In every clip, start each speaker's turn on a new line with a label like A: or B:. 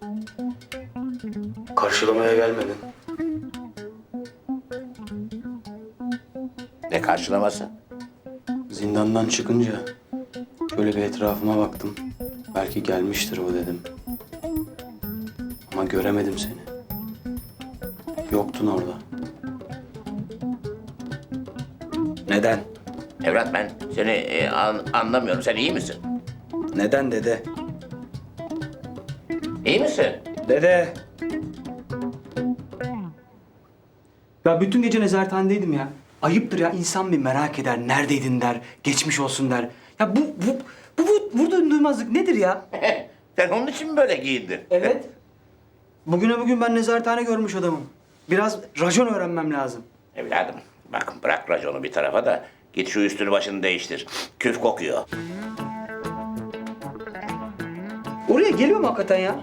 A: Karşılamaya gelmedin.
B: Ne karşılaması?
A: Zindandan çıkınca şöyle bir etrafıma baktım. Belki gelmiştir bu dedim. Ama göremedim seni. Yoktun orada. Neden?
B: Evlat ben seni anlamıyorum. Sen iyi misin?
A: Neden dede?
B: İyi misin?
A: Dede! Ya bütün gece nezarethanedeydim ya. Ayıptır ya, insan bir merak eder, neredeydin der, geçmiş olsun der. Ya bu vurduğun duymazlık nedir ya?
B: Sen onun için mi böyle giyindin?
A: Evet. Bugüne bugün ben nezarethane görmüş adamım. Biraz racon öğrenmem lazım.
B: Evladım bak bırak raconu bir tarafa da git şu üstünü başını değiştir. Küf kokuyor.
A: Oraya geliyor mu hakikaten ya?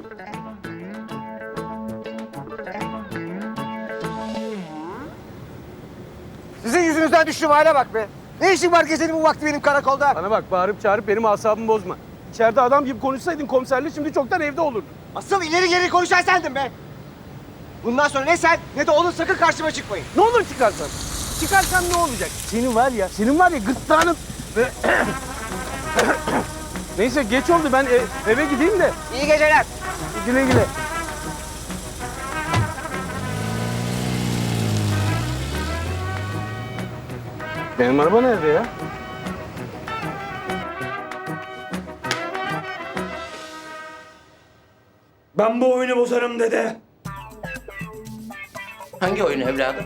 C: Sizin yüzünüzden düştüğüm hale bak be. Ne işin var gecenin bu vakti benim karakolda?
D: Bana bak bağırıp çağırıp benim asabımı bozma. İçeride adam gibi konuşsaydın komiserle şimdi çoktan evde olurdun.
C: Asıl ileri geri konuşan sendin be. Bundan sonra ne sen ne de oğlun sakın karşıma çıkmayın.
D: Ne olur çıkarsan. Çıkarsan ne olacak? Senin var ya gırtlağının... Neyse geç oldu ben eve gideyim de.
C: İyi geceler.
D: Güle güle. Benim araba nerede ya?
A: Ben bu oyunu bozarım dede.
B: Hangi oyun evladım?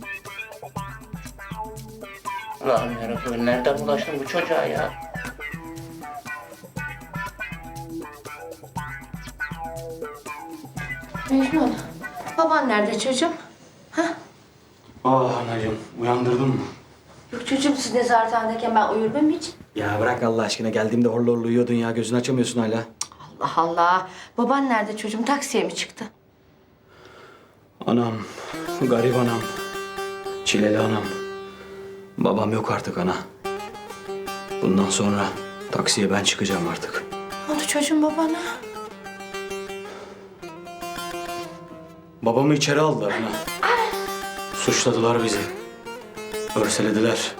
B: Allah'ım yarabbim nereden bulaştın bu çocuğa ya?
E: Mecnun, baban nerede çocuğum?
A: Ah anacığım, uyandırdın mı?
E: Yok çocuğum, siz nezarethanedeyken ben uyur muyum hiç?
A: Ya bırak Allah aşkına, geldiğimde horlu horlu uyuyordun ya, gözünü açamıyorsun hala.
E: Allah Allah. Baban nerede çocuğum? Taksiye mi çıktı?
A: Anam, garip anam, çileli anam. Babam yok artık ana. Bundan sonra taksiye ben çıkacağım artık.
E: Ne oldu çocuğum babana?
A: Babamı içeri aldılar ana. Suçladılar bizi. Örselediler.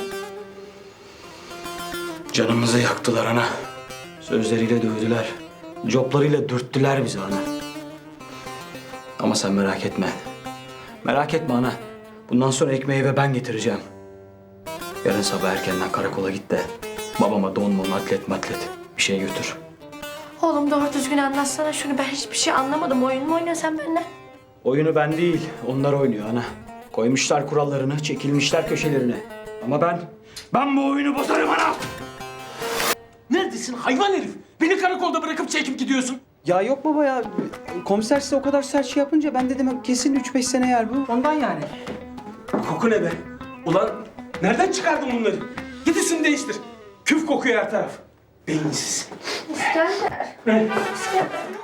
A: Canımızı yaktılar ana. Sözleriyle dövdüler. Coplarıyla dürttüler bizi ana. Ama sen merak etme. Merak etme ana. Bundan sonra ekmeği ve ben getireceğim. Yarın sabah erkenden karakola git de babama don mon atlet matlet bir şey götür.
E: Oğlum doğru düzgün anlatsana şunu. Ben hiçbir şey anlamadım. Oyun mu oynuyorsun sen benimle?
A: Oyunu ben değil, onlar oynuyor ana. Koymuşlar kurallarını, çekilmişler köşelerine. Ama ben bu oyunu bozarım ana!
D: Neredesin hayvan herif? Beni karakolda bırakıp çekip gidiyorsun.
A: Ya yok baba ya, komiser size o kadar sert şey yapınca ben dedim kesin 3-5 sene yer bu. Ondan yani.
D: Koku ne be? Ulan nereden çıkardın bunları? Git üstünü değiştir. Küf kokuyor her taraf. Beyinsiz.
E: İskender. İskender